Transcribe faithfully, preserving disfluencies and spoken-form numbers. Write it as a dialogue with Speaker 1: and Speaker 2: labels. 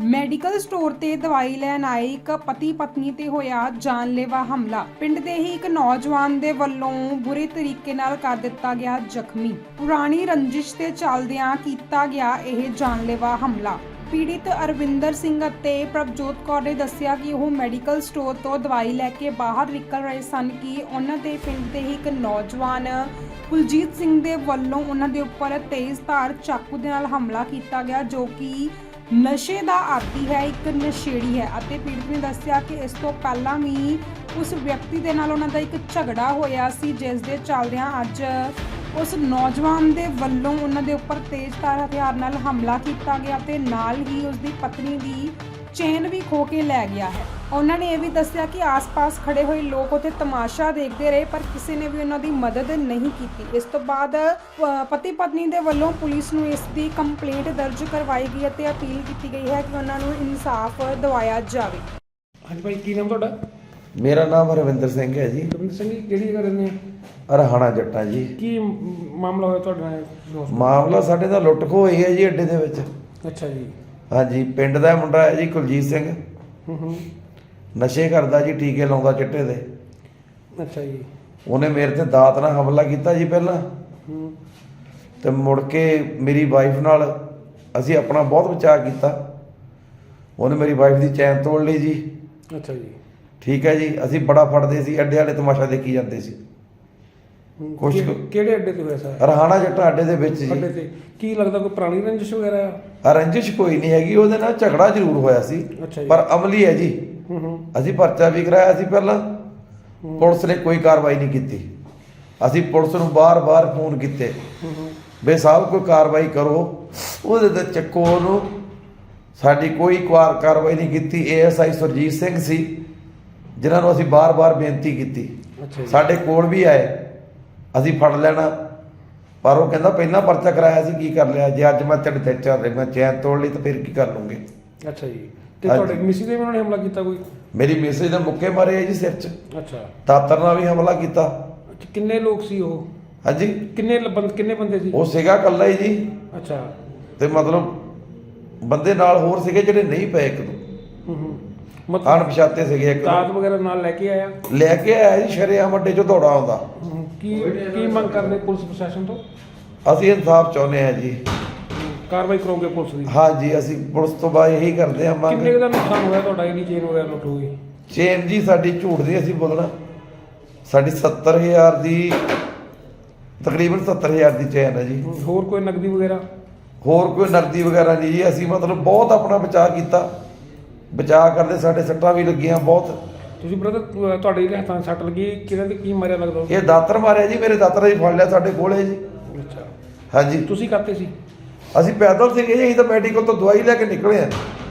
Speaker 1: Medical store ਤੇ ਦਵਾਈ ਲੈਣ ਆਏ ਇੱਕ ਪਤੀ ਪਤਨੀ ਤੇ ਹੋਇਆ ਜਾਨਲੇਵਾ ਹਮਲਾ। ਪਿੰਡ ਦੇ ਹੀ ਇੱਕ ਨੌਜਵਾਨ ਦੇ ਵੱਲੋਂ ਬੁਰੇ ਤਰੀਕੇ ਨਾਲ ਕਰ ਦਿੱਤਾ ਗਿਆ ਜ਼ਖਮੀ। ਪੁਰਾਣੀ ਰੰਜਿਸ਼ ਤੇ ਚੱਲਦਿਆਂ ਕੀਤਾ ਗਿਆ ਇਹ ਜਾਨਲੇਵਾ ਹਮਲਾ। ਪੀੜਿਤ ਅਰਵਿੰਦਰ ਸਿੰਘ ਅਤੇ ਪ੍ਰਭਜੋਤ ਕੌਰ ਨੇ ਦੱਸਿਆ ਕਿ ਉਹ ਮੈਡੀਕਲ ਸਟੋਰ ਤੋਂ ਦਵਾਈ ਲੈ ਕੇ ਬਾਹਰ ਨਿਕਲ ਰਹੇ ਸਨ ਕਿ ਉਹਨਾਂ ਦੇ ਪਿੰਡ ਦੇ ਹੀ ਇੱਕ ਨੌਜਵਾਨ ਕੁਲਜੀਤ ਸਿੰਘ ਦੇ ਵੱਲੋਂ ਉਹਨਾਂ ਦੇ ਉੱਪਰ ਤੇਜ਼ਧਾਰ ਚਾਕੂ ਦੇ ਨਾਲ ਹਮਲਾ ਕੀਤਾ ਗਿਆ, ਜੋ ਕਿ ਨਸ਼ੇ ਦਾ ਆਦੀ ਹੈ, ਇੱਕ ਨਸ਼ੇੜੀ ਹੈ। ਅਤੇ ਪੀੜਤ ਨੇ ਦੱਸਿਆ ਕਿ ਇਸ ਤੋਂ ਪਹਿਲਾਂ ਵੀ ਉਸ ਵਿਅਕਤੀ ਦੇ ਨਾਲ ਉਹਨਾਂ ਦਾ ਇੱਕ ਝਗੜਾ ਹੋਇਆ ਸੀ, ਜਿਸ ਦੇ ਚੱਲਦਿਆਂ ਅੱਜ ਉਸ ਨੌਜਵਾਨ ਦੇ ਵੱਲੋਂ ਉਹਨਾਂ ਦੇ ਉੱਪਰ ਤੇਜ਼ਧਾਰ ਹਥਿਆਰ ਨਾਲ ਹਮਲਾ ਕੀਤਾ ਗਿਆ ਤੇ ਨਾਲ ਹੀ ਉਸ ਦੀ ਪਤਨੀ ਦੀ ਚੇਨ ਵੀ ਖੋਹ ਕੇ ਲੈ ਗਿਆ ਹੈ। ਉਹਨਾਂ ਨੇ ਇਹ ਵੀ ਦੱਸਿਆ ਕਿ ਆਸ-ਪਾਸ ਖੜੇ ਹੋਏ ਲੋਕ ਉੱਥੇ ਤਮਾਸ਼ਾ ਦੇਖਦੇ ਰਹੇ, ਪਰ ਕਿਸੇ ਨੇ ਵੀ ਉਹਨਾਂ ਦੀ ਮਦਦ ਨਹੀਂ ਕੀਤੀ। ਇਸ ਤੋਂ ਬਾਅਦ ਪਤੀ ਪਤਨੀ ਦੇ ਵੱਲੋਂ ਪੁਲਿਸ ਨੂੰ ਇਸ ਦੀ ਕੰਪਲੇਂਟ ਦਰਜ ਕਰਵਾਈ ਗਈ ਅਤੇ ਅਪੀਲ ਕੀਤੀ ਗਈ ਹੈ ਕਿ ਉਹਨਾਂ ਨੂੰ ਇਨਸਾਫ ਦਿਵਾਇਆ ਜਾਵੇ।
Speaker 2: ਹਾਂਜੀ ਭਾਈ, ਕੀ ਨਾਮ ਤੁਹਾਡਾ?
Speaker 3: ਮੇਰਾ ਨਾਮ ਰਵਿੰਦਰ ਸਿੰਘ ਹੈ ਜੀ।
Speaker 2: ਰਵਿੰਦਰ ਸਿੰਘ ਜੀ, ਕਿਹੜੀ ਜਗ੍ਹਾ ਰਹਿੰਦੇ ਆ?
Speaker 3: ਰਹਾਣਾ ਜੱਟਾਂ ਜੀ।
Speaker 2: ਕੀ ਮਾਮਲਾ ਹੋਇਆ ਤੁਹਾਡੇ ਨਾਲ?
Speaker 3: ਮਾਮਲਾ ਸਾਡੇ ਦਾ ਲੁੱਟ ਖੋਹ ਹੋਈ ਹੈ ਜੀ ਅੱਡੇ ਦੇ ਵਿੱਚ।
Speaker 2: ਅੱਛਾ ਜੀ।
Speaker 3: ਹਾਂਜੀ, ਪਿੰਡ ਦਾ ਮੁੰਡਾ ਹੈ ਜੀ ਕੁਲਜੀਤ ਸਿੰਘ।
Speaker 2: ਹੂੰ ਹੂੰ।
Speaker 3: ਨਸ਼ੇ ਕਰਦਾ ਜੀ, ਟੀਕੇ ਲਾਉਂਦਾ ਚਿੱਟੇ ਦੇ।
Speaker 2: ਅੱਛਾ ਜੀ।
Speaker 3: ਉਹਨੇ ਮੇਰੇ ਤੇ ਦਾਤ ਨਾਲ ਹਮਲਾ ਕੀਤਾ ਜੀ ਪਹਿਲਾਂ,
Speaker 2: ਹੂੰ।
Speaker 3: ਤੇ ਮੁੜ ਕੇ ਮੇਰੀ ਵਾਈਫ ਨਾਲ ਅਸੀਂ ਆਪਣਾ ਬਹੁਤ ਬਚਾਅ ਕੀਤਾ। ਉਹਨੇ ਮੇਰੀ ਵਾਈਫ ਦੀ ਚੈਨ ਤੋੜ ਲਈ ਜੀ।
Speaker 2: ਅੱਛਾ ਜੀ।
Speaker 3: ਠੀਕ ਹੈ ਜੀ। ਅਸੀਂ ਬੜਾ ਫੜਦੇ ਸੀ, ਅੱਡੇ ਵਾਲੇ ਤਮਾਸ਼ਾ ਦੇਖੀ ਜਾਂਦੇ ਸੀ। ਕੁਛ
Speaker 2: ਕਿਹੜੇ ਅੱਡੇ ਤੇ ਹੋਇਆ ਸਰ?
Speaker 3: ਰਹਾਣਾ ਜੱਟਾਂ ਅੱਡੇ ਦੇ ਵਿੱਚ ਜੀ।
Speaker 2: ਅੱਡੇ ਤੇ ਕੀ ਲੱਗਦਾ ਕੋਈ ਪੁਰਾਣੀ ਰੰਜਿਸ਼ ਵਗੈਰਾ ਆ?
Speaker 3: ਰੰਜਿਸ਼ ਕੋਈ ਨਹੀਂ ਹੈਗੀ, ਉਹਦੇ ਨਾਲ ਝਗੜਾ ਜ਼ਰੂਰ ਹੋਇਆ ਸੀ,
Speaker 2: ਅੱਛਾ ਜੀ।
Speaker 3: ਪਰ ਅਮਲੀ ਹੈ ਜੀ।
Speaker 2: ਹੂੰ ਹੂੰ।
Speaker 3: ਅਸੀਂ ਪਰਚਾ ਵੀ ਕਰਾਇਆ ਸੀ ਪਹਿਲਾਂ, ਪੁਲਿਸ ਨੇ ਕੋਈ ਕਾਰਵਾਈ ਨਹੀਂ ਕੀਤੀ। ਅਸੀਂ ਪੁਲਿਸ ਨੂੰ ਬਾਰ-ਬਾਰ ਫੋਨ ਕੀਤੇ ਬੇ ਸਾਹਿਬ ਕੋਈ ਕਾਰਵਾਈ ਕਰੋ, ਉਹਦੇ ਤੇ ਚੱਕੋ ਉਹਨੂੰ। ਸਾਡੀ ਕੋਈ ਕਾਰ ਕਾਰਵਾਈ ਨਹੀਂ ਕੀਤੀ। A S I Surjit Singh ਸੀ, ਜਿਨ੍ਹਾਂ ਨੂੰ ਅਸੀਂ ਬਾਰ-ਬਾਰ ਬੇਨਤੀ ਕੀਤੀ। ਸਾਡੇ ਕੋਲ ਵੀ ਆਏ, ਅਸੀਂ ਫੜ ਲੈਣਾ, ਪਰ ਉਹ ਕਹਿੰਦਾ ਪਹਿਲਾਂ ਪਰਚਾ ਕਰਾਇਆ ਸੀ, ਕੀ ਕਰ ਲਿਆ? ਜੇ ਅੱਜ ਮੈਂ ਤੇਰੇ ਤੇ ਚੱਲ ਰਿਹਾ, ਮੈਂ ਚੈਨ ਤੋੜ ਲਈ ਤਾਂ ਫਿਰ ਕੀ ਕਰ ਲੂੰਗੇ?
Speaker 2: ਅੱਛਾ ਜੀ। ਤੇ ਤੁਹਾਡੇ ਮਿਸੀ ਦੇ ਵੀ ਉਹਨਾਂ ਨੇ ਹਮਲਾ ਕੀਤਾ ਕੋਈ?
Speaker 3: ਮੇਰੀ ਮਿਸੇਜ ਦੇ ਮੁੱਕੇ ਮਾਰੇ ਆ ਜੀ ਸਿਰ 'ਚ।
Speaker 2: ਅੱਛਾ।
Speaker 3: ਦਾਤਰ ਨਾਲ ਵੀ ਹਮਲਾ ਕੀਤਾ।
Speaker 2: ਅੱਛਾ, ਕਿੰਨੇ ਲੋਕ ਸੀ ਉਹ?
Speaker 3: ਹਾਂਜੀ,
Speaker 2: ਕਿੰਨੇ ਬੰਦ ਕਿੰਨੇ ਬੰਦੇ ਸੀ?
Speaker 3: ਉਹ ਸੀਗਾ ਇਕੱਲਾ ਹੀ ਜੀ।
Speaker 2: ਅੱਛਾ।
Speaker 3: ਤੇ ਮਤਲਬ ਬੰਦੇ ਨਾਲ ਹੋਰ ਸੀਗੇ ਜਿਹੜੇ ਨਹੀਂ ਪਏ ਇੱਕ ਦੋ।
Speaker 2: ਹੂੰ ਹੂੰ।
Speaker 3: ਅਣਪਛਾਤੇ ਸੀਗੇ ਇੱਕ
Speaker 2: ਦਾਤ ਵਗੈਰਾ ਨਾਲ ਲੈ ਕੇ ਆਇਆ?
Speaker 3: ਲੈ ਕੇ ਆਇਆ ਜੀ, ਸ਼ਰੇਆਮ ਅੱਡੇ 'ਚੋਂ ਦੌੜਾ ਆਉਂਦਾ।
Speaker 2: ਕੀ ਕੀ ਮੰਗ ਕਰਦੇ ਪੁਲਿਸ ਪ੍ਰਸ਼ਾਸਨ ਤੋਂ?
Speaker 3: ਅਸੀਂ ਇਨਸਾਫ ਚਾਹੁੰਦੇ ਹਾਂ ਜੀ।
Speaker 2: ਕਾਰਵਾਈ ਕਰੋਗੇ ਪੁਲਿਸ ਦੀ?
Speaker 3: ਹਾਂ ਜੀ, ਅਸੀਂ ਪੁਲਿਸ ਤੋਂ ਬਾਅਦ ਇਹੀ ਕਰਦੇ ਹਾਂ ਮੰਗ।
Speaker 2: ਕਿੰਨੇ ਕੁ ਦਾ ਨੁਕਸਾਨ ਹੋਇਆ ਤੁਹਾਡਾ? ਇਹਦੀ ਚੇਨ ਵਗੈਰਾ ਲੁੱਟ ਹੋ ਗਈ?
Speaker 3: ਚੇਨ ਜੀ ਸਾਡੀ ਝੂਠ ਦੀ ਅਸੀਂ ਬੋਲਣਾ, ਸਾਡੀ ਸੱਤਰ ਹਜ਼ਾਰ ਦੀ, ਤਕਰੀਬਨ ਸੱਤਰ ਹਜ਼ਾਰ ਦੀ ਚੇਨ ਹੈ ਜੀ।
Speaker 2: ਹੋਰ ਕੋਈ ਨਕਦੀ ਵਗੈਰਾ?
Speaker 3: ਹੋਰ ਕੋਈ ਨਕਦੀ ਵਗੈਰਾ ਨਹੀਂ ਜੀ। ਅਸੀਂ ਮਤਲਬ ਬਹੁਤ ਆਪਣਾ ਬਚਾਅ ਕੀਤਾ। ਬਚਾਅ ਕਰਦੇ ਸਾਡੇ ਸੱਟਾਂ ਵੀ ਲੱਗੀਆਂ ਬਹੁਤ।
Speaker 2: ਤੁਸੀਂ ਬ੍ਰਦਰ ਤੁਹਾਡੇ ਜਿਹੜੇ ਹੱਥਾਂ 'ਚ ਸੱਟ ਲੱਗੀ, ਕਿਹਨਾਂ ਤੇ ਕੀ ਮਾਰਿਆ ਲੱਗਦਾ?
Speaker 3: ਇਹ ਦਾਤਰ ਮਾਰਿਆ ਜੀ, ਮੇਰੇ ਦਾਤਰ ਜੀ ਫੜ ਲਿਆ ਸਾਡੇ ਕੋਲੇ ਜੀ।
Speaker 2: ਅੱਛਾ।
Speaker 3: ਹਾਂਜੀ।
Speaker 2: ਤੁਸੀਂ ਕਰਤੇ ਸੀ?
Speaker 3: ਅਸੀਂ ਪੈਦਲ ਸੀਗੇ ਜੀ, ਅਸੀਂ ਤਾਂ ਮੈਡੀਕਲ ਤੋਂ ਦਵਾਈ ਲੈ ਕੇ ਨਿਕਲੇ ਆ।